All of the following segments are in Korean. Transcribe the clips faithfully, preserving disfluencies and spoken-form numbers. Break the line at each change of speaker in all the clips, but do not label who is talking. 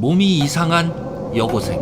몸이 이상한 여고생.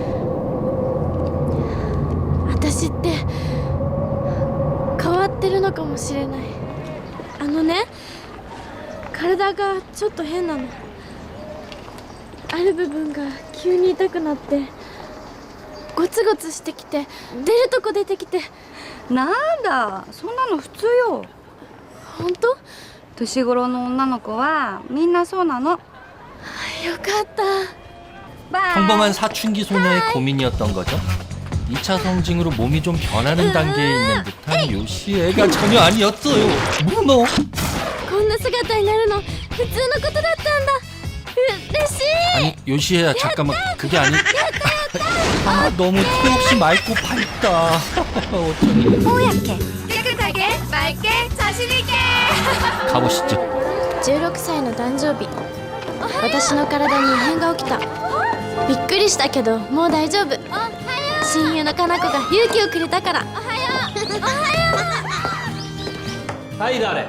私って変わってるのかもしれない。あのね、体がちょっと変なの。ある部分が急に痛くなってゴツゴツしてきて、出るとこ出てきて。
なんだ、そんなの普通よ。
本当？
年頃の女の子はみんなそうなの。
よかった。
평범한 사춘기 소녀의 고민이었던 거죠. 이 차 성징으로 몸이 좀 변하는 단계에 있는 듯한 요시 애가 전혀 아니었어요. 문어.
こんな姿になるの普通のことだったんだ。嬉しい。
아니 요시애야 잠깐만 그게 아니. 아 너무 턱없이 맑고 밝다. 어쩌니.
おやけ逆だけ맑게 자신있게
가보시죠.
じゅうろくさいの誕生日、私の体に異変が起きた。びっくりしたけどもう大丈夫。親友のかな子が勇気をくれたから。おはよう。おはよう。
はい誰？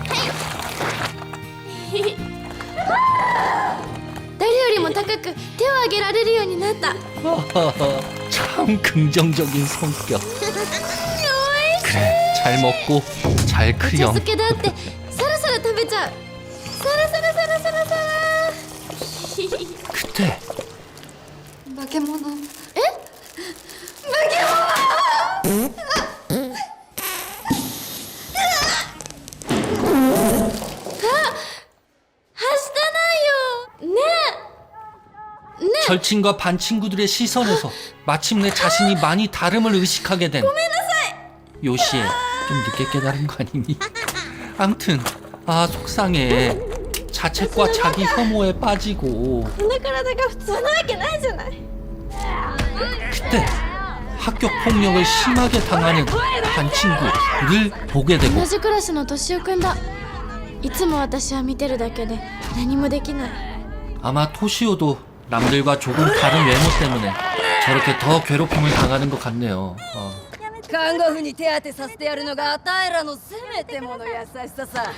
誰よりも高く手を挙げられるようになった。
참 긍정적인 성격. 그래 잘 먹고 잘
お茶
크렴.
漬けだってサラサラ食べちゃう。サラサラサラサラサラ。
그때
化け物。
절친과 반 친구들의 시선에서 마침내 자신이 많이 다름을 의식하게 된 요시에 좀 늦게 깨달은 거 아니니? 암튼 아 속상해. 자책과 자기 혐오에 빠지고.
この体が普通なわけないじゃない。
그때 학교 폭력을 심하게 당하는 반 친구를 보게 되고
同じクラスの敏夫くんだ。いつも私は見てるだけで何もできない。
아마 토시오도 남들과 조금 다른 외모 때문에 저렇게 더 괴롭힘을 당하는 것 같네요. 어.
看護婦に手当てさせてやるのがあたいらのせめてもの優しささ。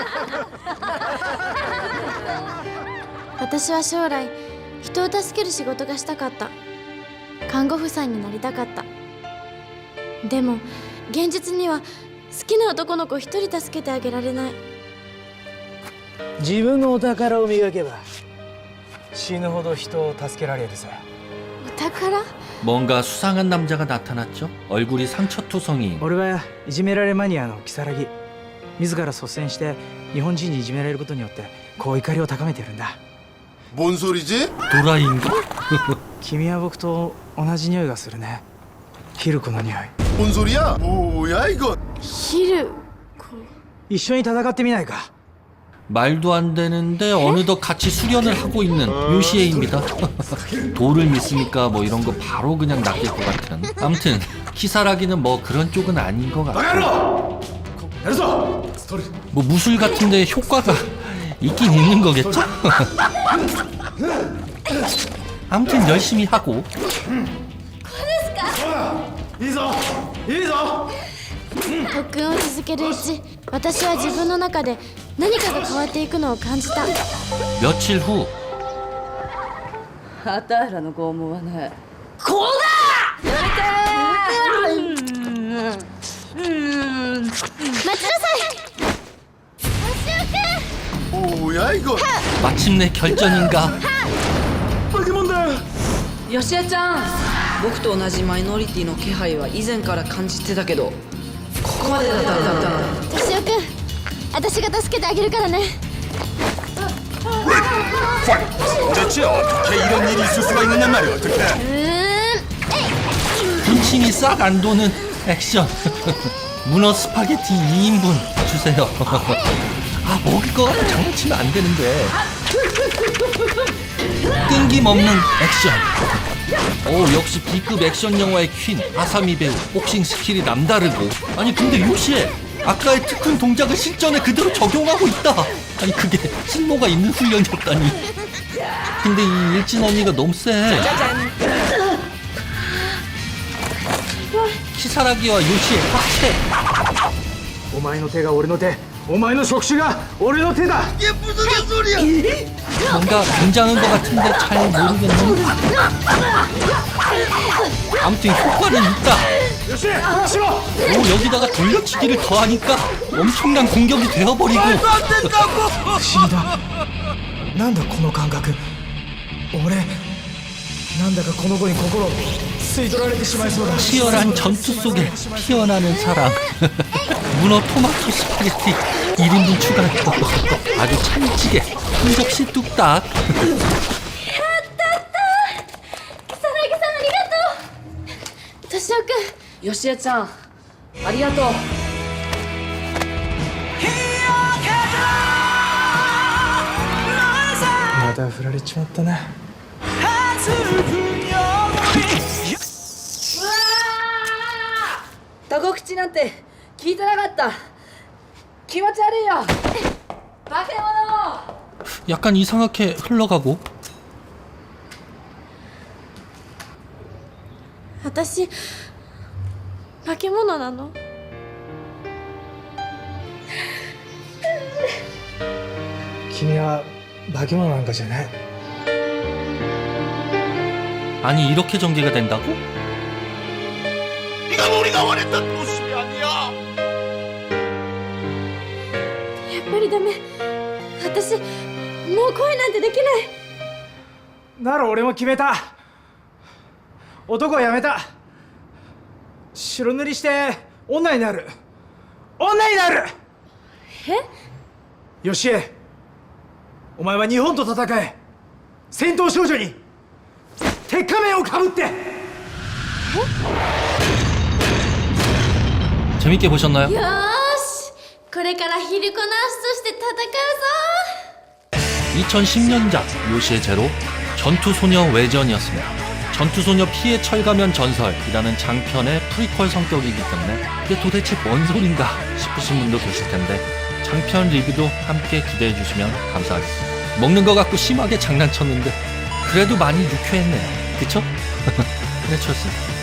私は将来人を助ける仕事がしたかった。看護婦さんになりたかった。でも現実には好きな男の子一人助けてあげられない。
自分のお宝を磨けば死ぬほど人を助けられるぜ。
お宝？
뭔가 수상한 남자가 나타났죠. 얼굴이 상처투성이.
俺はいじめられマニアの如月。自ら率先して日本人にいじめられることによってこう怒りを高めてるんだ。
뭔 소리지?
도라이인가?
君は僕と同じ匂いがするね。ヒルコの匂い。
뭔 소리야? 뭐야 이건?
ヒルコ。
一緒に戦ってみないか。
말도 안 되는데 어느덧 같이 수련을 하고 있는 요시에입니다. 도를 믿으니까 뭐 이런 거 바로 그냥 낚일 것 같은. 아무튼 키사라기는 뭐 그런 쪽은 아닌 것 같고. 뭐 무술 같은데 효과가 있긴 있는 거겠죠? 아무튼 열심히 하고.
特訓を続けるうち、私は自分の中で何かが変わっていくのを感じた。
며칠 후
あたいらの拷問はね、こうだ。やめてー。うん。
待ちなさい。
뭐야 이건?
마침내 결전인가?
よしえちゃん、僕と同じマイノリティの気配は以前から感じてたけど、ここまでだったんだ。
敏夫くん、私が助けてあげるからね。
대체 어떻게 이런 일이 있을 수가 있느냐 말이야 어떻게?
うーん。
군침이 싹 안 도는 액션. 문어 스파게티 이 인분 주세요. 아 먹을 거 같아. 장난치면 안 되는데. 끈김없는 액션. 오 역시 B급 액션 영화의 퀸 아사미 배우. 복싱 스킬이 남다르고. 아니 근데 요시에 아까의 특훈 동작을 실전에 그대로 적용하고 있다. 아니 그게 쓸모가 있는 훈련이었다니. 근데 이 일진 언니가 너무 세. 키사라기와 요시의 합체.
お前の手が俺の手、お前の触手が俺の手だ。
이게 무슨 개소리야?
뭔가 굉장한 것 같은데 잘 모르겠네. 아무튼 효과는 있다. 오, 여기다가 돌려치기를 더하니까 엄청난 공격이 되어버리고.
不思議だなんだこの感覚俺なんだかこの子に心を吸い取られてしまいそうだ
치열한 전투 속에 피어나는 사랑. 문어 토마토 스파게티 일 인분 추가했고 아주 찰지게 한 접시 뚝딱.
草薙さんありがとう敏夫君
よしえちゃんありがとう
また振られちまったな
タコ口なんて聞いてなかった気持ち悪いよ化け物
약간 이상하게 흘러가고.
私化け物なの
君は化け物なんかじゃない
아니 이렇게 전개가 된다고?
네가 우리가 원했던 모습이 아니야.
やっぱりダメ私もう恋なんてできない
なら俺も決めた男はやめた白塗りして女になる女になる
え
よしえお前は日本と戦え戦闘少女に鉄仮面をかぶって
재밌게 보셨나요?
よーしこれからヒルコナースとして戦うぞ
이천십 년작 요시의 제로 전투소녀 외전이었습니다. 전투소녀 피해 철가면 전설이라는 장편의 프리퀄 성격이기 때문에 이게 도대체 뭔 소린가 싶으신 분도 계실 텐데 장편 리뷰도 함께 기대해 주시면 감사하겠습니다. 먹는 거 갖고 심하게 장난쳤는데 그래도 많이 유쾌했네요. 그쵸? 그래 쳤습니다.